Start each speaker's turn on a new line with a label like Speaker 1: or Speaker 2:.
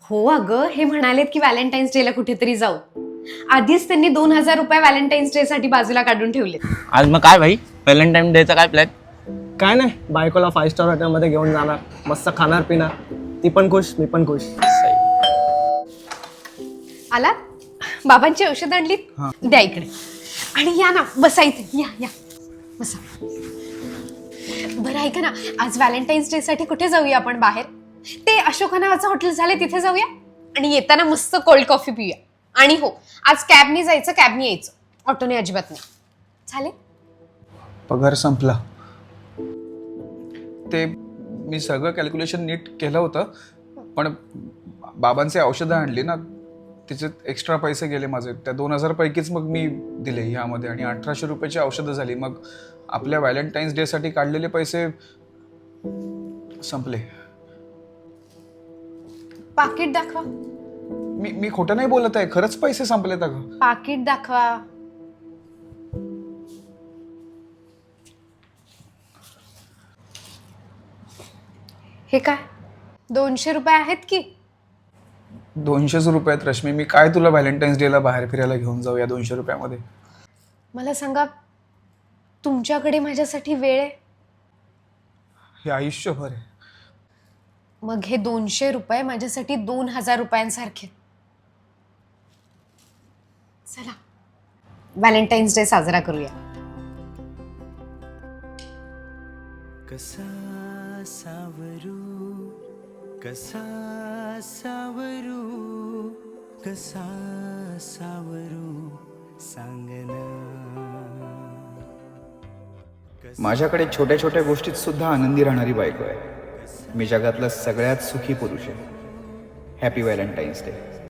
Speaker 1: हो अगं, हे म्हणालेत की व्हॅलेंटाईन्स डेला कुठेतरी जाऊ. आधीच त्यांनी 2,000 रुपये व्हॅलेंटाईन्स डे साठी बाजूला काढून ठेवले.
Speaker 2: आज मग काय भाई, व्हॅलेंटाईन डेचा काय प्लॅन?
Speaker 3: काय नाही, बायकोला 5 स्टार हॉटेलमध्ये घेऊन जाणार, मस्त खाणार पिणार, ती पण खुश मी पण खुश.
Speaker 1: आला बाबांची औषध आणलीत, द्या इकडे. आणि या ना, बसा इथे, या या बसा. बरं ऐका ना, आज व्हॅलेंटाईन्स डे साठी कुठे जाऊया आपण बाहेर? ते अशोका नावाचं हॉटेल झाले तिथे जाऊया आणि येताना मस्त कोल्ड कॉफी पिऊया. आणि हो, आज कॅबनी जायचं, कॅबनी यायचं, ऑटोने अजिबात नाही. चालेल?
Speaker 4: पगार संपला. ते मी सगळं कॅल्क्युलेशन नीट केलं होतं, पण बाबांचे औषधं आणली ना, तिचे एक्स्ट्रा पैसे गेले माझे. त्या 2,000 पैकीच मग मी दिले ह्यामध्ये, आणि 1,800 रुपयाची औषधं झाली. मग आपल्या व्हॅलेंटाईन्स डेसाठी काढलेले पैसे संपले.
Speaker 1: पाकिट दाखवा.
Speaker 4: मी खोटं नाही बोलत आहे, खरंच पैसे संपलेत अगं.
Speaker 1: पाकिट दाखवा. हे काय, 200 रुपये आहेत की?
Speaker 4: 200 रुपयात रश्मी, मी काय तुला व्हॅलेंटाईन्स डेला बाहेर फिरायला घेऊन जाऊ या 200 रुपयामध्ये?
Speaker 1: मला सांगा, तुमच्याकडे माझ्यासाठी वेळ आहे?
Speaker 4: हे आयुष्यभर आहे.
Speaker 1: मग हे 200 रुपये माझ्यासाठी 2,000 रुपयांसारखे. चला व्हॅलेंटाईन्स डे साजरा करूया.
Speaker 5: कसा सावरू कसा सावरू कसा सावरू सांगना.
Speaker 6: माझ्याकडे छोट्या छोट्या गोष्टीत सुद्धा आनंदी राहणारी बायको आहे. मी जगातला सगळ्यात सुखी पुरुष आहे. Happy Valentine's day.